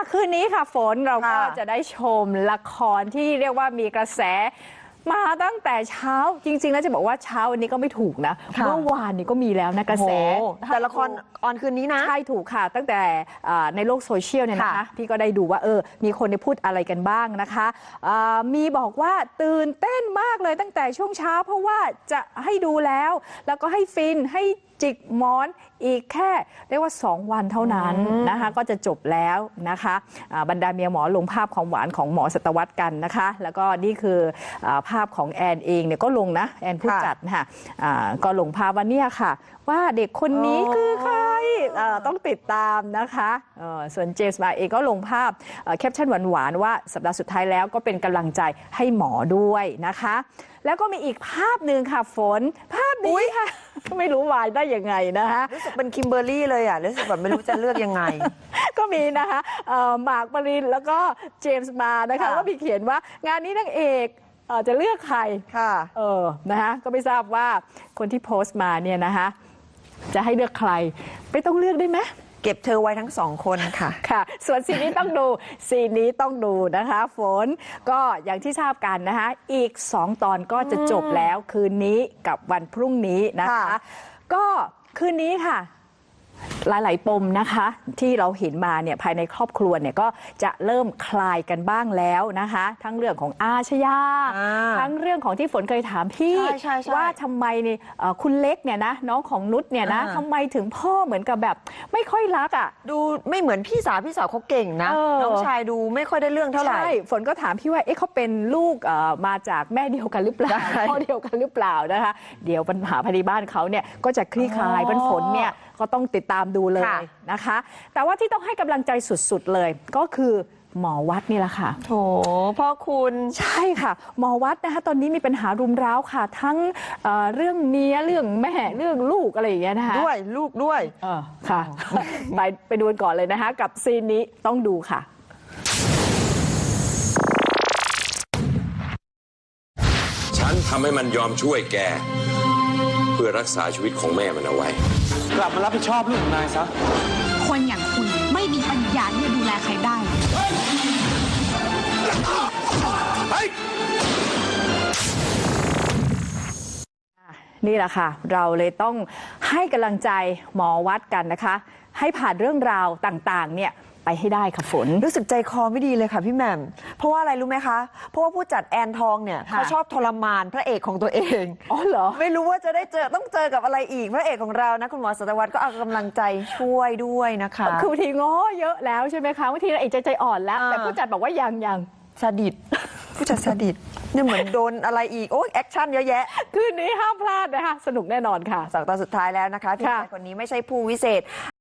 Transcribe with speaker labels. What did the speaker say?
Speaker 1: คืนนี้ค่ะฝนเราก็จะได้ชมละครที่เรียกว่ามีกระแสมาตั้งแต่เช้าจริงๆแล้วจะบอกว่าเช้าวันนี้ก็ไม่ถูกนะเมื่อวานนี้ก็มีแล้วนะกระแส
Speaker 2: แต่ละครออนคืนนี้นะ
Speaker 1: ใช่ถูกค่ะตั้งแต่ในโลกโซเชียลเนี่ยนะคะพี่ก็ได้ดูว่ามีคนได้พูดอะไรกันบ้างนะคะมีบอกว่าตื่นเต้นมากเลยตั้งแต่ช่วงเช้าเพราะว่าจะให้ดูแล้วก็ให้ฟินให้จิกหมอนอีกแค่เรียกว่า2 วันเท่านั้นนะคะก็จะจบแล้วนะคะบรรดาเมียหมอลงภาพของหวานของหมอสัตวรรษกันนะคะแล้วก็นี่คือภาพของแอนเองเนี่ยก็ลงนะแอนผู้จัดค่ะก็ลงภาพว่าเนี่ยค่ะว่าเด็กคนนี้คือใครต้องติดตามนะคะส่วนเจมส์มาเองก็ลงภาพแคปชั่นหวานๆว่าสัปดาห์สุดท้ายแล้วก็เป็นกำลังใจให้หมอด้วยนะคะแล้วก็มีอีกภาพหนึ่งค่ะฝนภาพนี้ค่ะไม่รู้วายได้ยังไงนะคะ
Speaker 2: รู้สึกเป็นคิมเบอร์รี่เลยอ่ะรู้สึกแบบไม่รู้จะเลือกยังไง
Speaker 1: ก็มีนะคะหมากปรินแล้วก็เจมส์มานะคะก็มีเขียนว่างานนี้นางเอกจะเลือกใคร
Speaker 2: ค่ะ
Speaker 1: นะคะก็ไม่ทราบว่าคนที่โพสต์มาเนี่ยนะคะจะให้เลือกใครไม่ต้องเลือกได้ไหม
Speaker 2: เก็บเธอไว้ทั้ง2 คนค่ะ
Speaker 1: ค่ะส่วนซีนนี้ต้องดูซีนนี้ต้องดูนะคะฝนก็อย่างที่ทราบกันนะคะอีก2 ตอนก็จะจบแล้วคืนนี้กับวันพรุ่งนี้นะคะก็คืนนี้ค่ะหลายๆปมนะคะที่เราเห็นมาเนี่ยภายในครอบครัวเนี่ยก็จะเริ่มคลายกันบ้างแล้วนะคะทั้งเรื่องของอาชญาทั้งเรื่องของที่ฝนเคยถามพี่ว่าทำไมนี่คุณเล็กเนี่ยนะน้องของนุชเนี่ยนะทำไมถึงพ่อเหมือนกับแบบไม่ค่อยรักอ่ะ
Speaker 2: ดูไม่เหมือนพี่สาวเขาเก่งนะน้องชายดูไม่ค่อยได้เรื่องเท่าไหร่
Speaker 1: ฝนก็ถามพี่ว่าเขาเป็นลูกมาจากแม่เดียวกันหรือเปล่าพ่อเดียวกันหรือเปล่านะคะเดี๋ยวปัญหาภายในบ้านเขาเนี่ยก็จะคลี่คลายฝนเนี่ยก็ต้องติดตามดูเลยนะคะแต่ว่าที่ต้องให้กำลังใจสุดๆเลยก็คือหมอวัดนี่แหละค่ะ
Speaker 2: โถพ่อคุณ
Speaker 1: ใช่ค่ะหมอวัดนะคะตอนนี้มีปัญหารุมร้าวค่ะทั้งเรื่องเมียเรื่องแม่เรื่องลูกอะไรอย่างเงี้ยนะคะ
Speaker 2: ด้วยลูกด้วย
Speaker 1: ค่ะไปดูกันก่อนเลยนะคะกับซีนนี้ต้องดูค่ะ
Speaker 3: ฉันทำให้มันยอมช่วยแกเพื่อรักษาชีวิตของแม่มันเอาไว้
Speaker 4: กลับมารับผิดชอบลูกของนายซะ
Speaker 5: คนอย่างคุณไม่มีปัญญาที่จะดูแลใครได้
Speaker 1: นี่แหละค่ะเราเลยต้องให้กำลังใจหมอวัดกันนะคะให้ผ่านเรื่องราวต่างๆเนี่ยไปให้ได้ค่ะฝน
Speaker 2: รู้สึกใจคอไม่ดีเลยค่ะพี่แหม่มเพราะว่าอะไรรู้ไหมคะเพราะว่าผู้จัดแอนทองเนี่ยเขาชอบทรมานพระเอกของตัวเอง
Speaker 1: อ๋อเหรอ
Speaker 2: ไม่รู้ว่าจะได้ต้องเจอกับอะไรอีกพระเอกของเรานะคุณหมอสัตวรรษก็เอากำลังใจช่วยด้วยนะคะ
Speaker 1: คือบางทีง้อเยอะแล้วใช่ไหมคะบางทีเราเอกใจอ่อนแล้วแต่ผู้จัดบอกว่ายัง
Speaker 2: ซาดิสผู้จัดซาดิสเนี่ยเหมือนโดนอะไรอีกโอ้ยแอคชั่นเยอะแยะ
Speaker 1: คืนนี้ห้ามพลาดนะคะสนุกแน่นอนค่ะ
Speaker 2: 2 ตอนสุดท้ายแล้วนะคะพี่ชายคนนี้ไม่ใช่ผู้วิเศษ